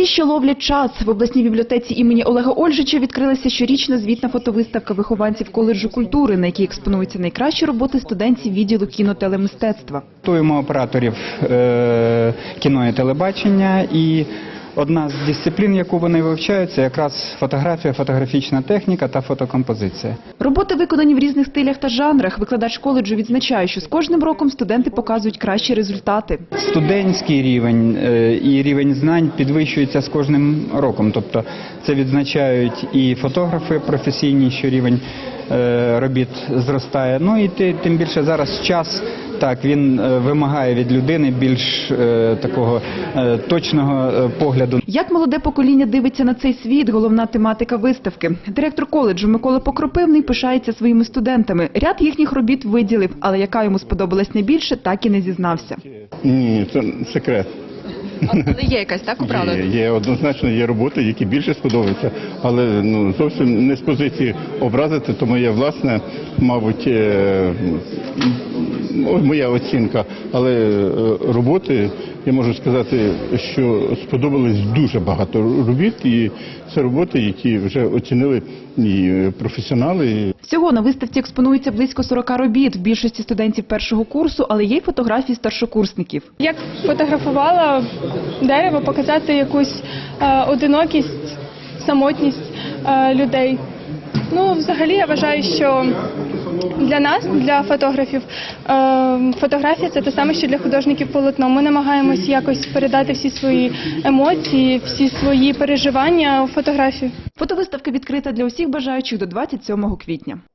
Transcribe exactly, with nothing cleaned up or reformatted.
Ті, що ловлять час. В обласній бібліотеці імені Олега Ольжича відкрилася щорічна звітна фотовиставка вихованців коледжу культури, на якій експонуються найкращі роботи студентів відділу кіно-телемистецтва. Готуємо операторів е кіно і телебачення, і одна з дисциплін, яку вони вивчають, це якраз фотографія, фотографічна техніка та фотокомпозиція. Роботи виконані в різних стилях та жанрах. Викладач коледжу відзначає, що з кожним роком студенти показують кращі результати. Студентський рівень е і рівень знань підвищується з кожним роком. Тобто це відзначають і фотографи професійні, що рівень е робіт зростає. Ну і тим більше зараз час, так, він вимагає від людини більш е такого е точного е погляду. Як молоде покоління дивиться на цей світ – головна тематика виставки. Директор коледжу Микола Покропивний пишається своїми студентами. Ряд їхніх робіт виділив, але яка йому сподобалась найбільше, так і не зізнався. Ні, це секрет. Але є якась, так, управлена? Є, є, однозначно є роботи, які більше сподобаються, але ну, зовсім не з позиції образити, то моє власне, мабуть, е моя оцінка, але роботи, я можу сказати, що сподобалось дуже багато робіт, і це роботи, які вже оцінили і професіонали. Всього на виставці експонується близько сорока робіт, в більшості студентів першого курсу, але є й фотографії старшокурсників. Як фотографувала дерево, показати якусь е, одинокість, самотність е, людей. Ну, взагалі, я вважаю, що для нас, для фотографів, фотографія – це те саме, що для художників полотно. Ми намагаємось якось передати всі свої емоції, всі свої переживання у фотографію. Фотовиставка відкрита для усіх бажаючих до двадцять сьомого квітня.